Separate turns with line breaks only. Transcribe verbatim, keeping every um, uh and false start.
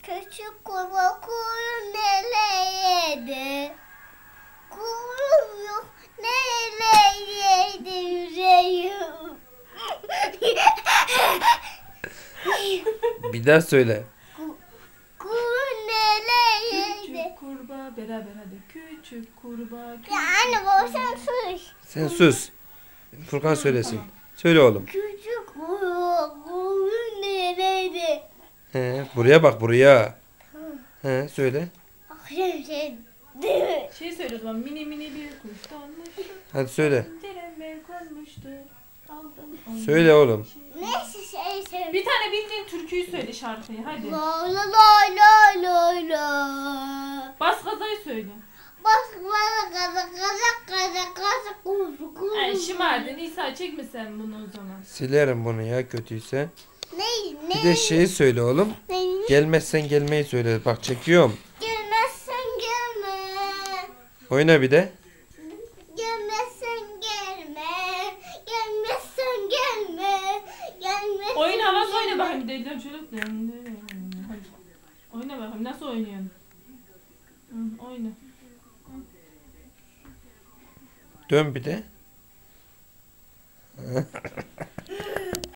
Küçük kurbağa kuyruğu nereydi? Kuyruğum yok nereydi yüreğim?
Bir daha söyle.
Kuyruğu nereydi?
Küçük kurbağa beraber hadi. Küçük kurbağa. Küçük
Ya anne baba sen sus.
Sen sus. Furkan söylesin.
tamam.
Söyle oğlum.
Küçük kurbağa kuyruğu nereydi?
He, buraya bak buraya. He, söyle.
Akşam şey değil mi?
Şey söyle o zaman. Mini mini bir kuş donmuştu.
Hadi söyle.
Tereme konmuştu. Aldım onu.
Söyle oğlum.
Neyse şey söyle.
Bir tane bildiğin türküyü söyle şarkıyı hadi.
La la la la la la.
Bas gazayı söyle.
Bak bana kaza kaza kaza kaza kuzu kuzu.
Ay şımardın İsa çekme sen bunu o zaman.
Silerim bunu ya kötüyse.
Ne ne?
Bir de şeyi söyle oğlum.
Ne?
Gelmezsen gelmeyi söyle. Bak çekiyorum.
Gelmezsen gelme.
Oyna bir de.
Gelmezsen gelme. Gelmezsen gelme. Gelmezsen
Oyun havası oyna
gelme.
bakayım deliler şöyle. Hadi. Oyna bakayım nasıl oynuyorsun? Hı, oyna.
Dön bir de.